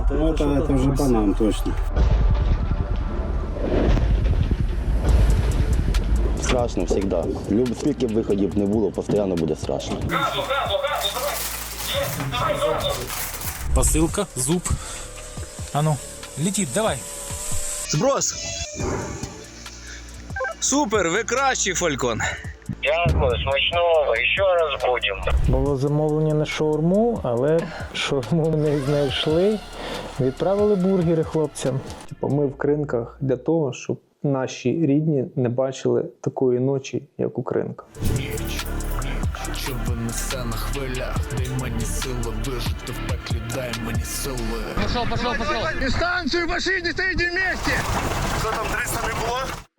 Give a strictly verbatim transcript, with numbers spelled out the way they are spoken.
Ну, это, это уже по нам точно. Страшно завжди. Люб, скільки б виходів не було, постійно буде страшно. Газу, газу, газу, давай! Є, давай, газу! Посылка, зуб. А ну, летит, давай. Зброс! Супер, ви кращий, Фалькон. Дякую, смачного, ще раз будемо. Було замовлення на шаурму, але шаурму не знайшли. Відправили бургери хлопцям. Типу, ми в Кринках для того, щоб наші рідні не бачили такої ночі, як у Кринках. Що винесе на хвилях, дай мені сили вижити в пеклі, дай мені сили. Пошел, пошел, пошел. Дистанцию в машине, стоите вместе! Що там, триста не було?